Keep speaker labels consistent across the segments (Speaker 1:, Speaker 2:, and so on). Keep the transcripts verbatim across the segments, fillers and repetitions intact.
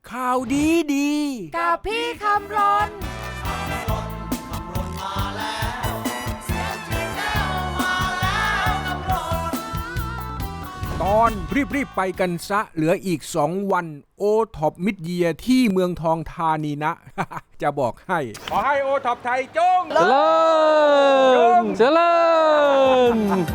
Speaker 1: ข่าวดีดี
Speaker 2: กับพี่คำรน
Speaker 1: ตอนรีบๆไปกันซะเหลืออีกสองวันโอท็อปมิดเยียร์ที่เมืองทองธานีนะ จะบอกให้ขอให้โอท็อปไทยจง
Speaker 3: เจริญเจริญ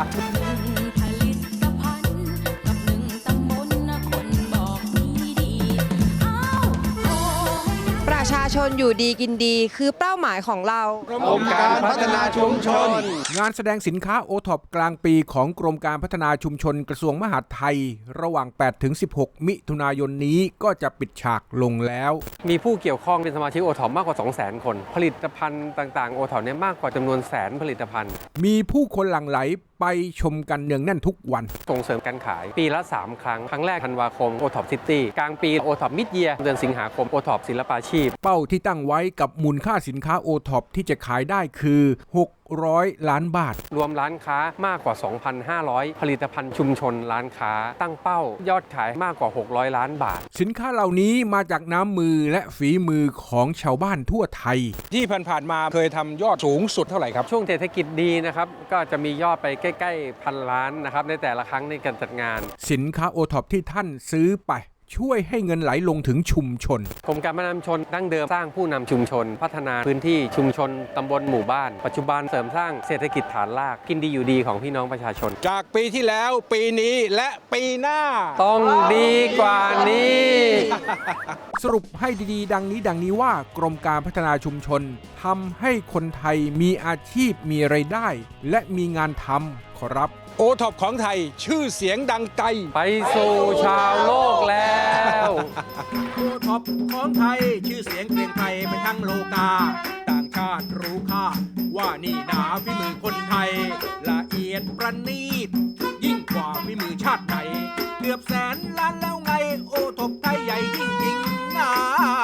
Speaker 2: ประชาชนอยู่ดีกินดีคือเป้าหมายของเรา
Speaker 3: กรมการพัฒนาชุมชน
Speaker 1: งานแสดงสินค้าโอท็อปกลางปีของกรมการพัฒนาชุมชนกระทรวงมหาดไทยระหว่าง แปดถึงสิบหก มิถุนายนนี้ก็จะปิดฉากลงแล้ว
Speaker 3: มีผู้เกี่ยวข้องเป็นสมาชิกโอท็อปมากกว่า สองแสน คนผลิตภัณฑ์ต่างๆโอท็อปเนี่ยมากกว่าจำนวนแสนผลิตภัณฑ์
Speaker 1: มีผู้คนหลั่งไหลไปชมกันเนืองแน่นทุกวัน
Speaker 3: ส่งเสริมการขายปีละสามครั้งครั้งแรกธันวาคมโอท็อปซิตี้กลางปีโอท็อปมิดเยียร์เดือนสิงหาคมโอท็อปศิลปาชีพ
Speaker 1: เป้าที่ตั้งไว้กับมูลค่าสินค้าโอท็อปที่จะขายได้คือหกร้อยล้านบาท
Speaker 3: รวมร้านค้ามากกว่า สองพันห้าร้อย ผลิตภัณฑ์ชุมชนร้านค้าตั้งเป้ายอดขายมากกว่าหกร้อยล้านบาท
Speaker 1: สินค้าเหล่านี้มาจากน้ำมือและฝีมือของชาวบ้านทั่วไทยที่ผ่านๆมาเคยทำยอดสูงสุดเท่าไหร่ครับ
Speaker 3: ช่วงเศรษฐกิจดีนะครับก็จะมียอดไปใกล้ๆพันล้านนะครับในแต่ละครั้งในการจัดงาน
Speaker 1: สินค้าโอท็อปที่ท่านซื้อไปช่วยให้เงินไหลลงถึงชุมชน
Speaker 3: กรมการพัฒนาชุมชนดั้งเดิมสร้างผู้นำชุมชนพัฒนาพื้นที่ชุมชนตำบลหมู่บ้านปัจจุบันเสริมสร้างเศรษฐกิจฐานรากกินดีอยู่ดีของพี่น้องประชาชน
Speaker 1: จากปีที่แล้วปีนี้และปีหน้า
Speaker 3: ต้องดีกว่านี้
Speaker 1: สรุปให้ดีๆดังนี้ดังนี้ว่ากรมการพัฒนาชุมชนทำให้คนไทยมีอาชีพมีรายได้และมีงานทำขอรับโอท็อปของไทยชื่อเสียงดังไกล
Speaker 3: ไปสู่ชาวโลกแล้ว
Speaker 1: โอท็อปของไทยชื่อเสียงเกรียงไกรไปทั้งโลกาต่างชาติรู้ค่าว่านี่หนาฝีมือคนไทยละเอียดประณีตยิ่งกว่าฝีมือชาติใดเกือบแสนล้านแล้วไงโอท็อปไทยใหญ่จริงๆนะ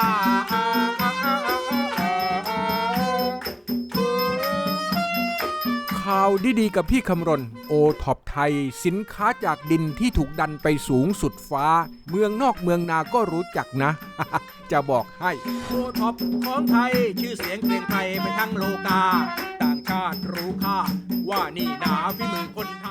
Speaker 1: ข่าวดีๆกับพี่คำรณโอท็อปไทยสินค้าจากดินที่ถูกดันไปสูงสุดฟ้าเมืองนอกเมืองนาก็รู้จักนะ จะบอกให้โอท็อปของไทยชื่อเสียงเกรียงไกรไปทั้งโลกาต่างชาติรู้ค่าว่านี่หนาฝีมือคน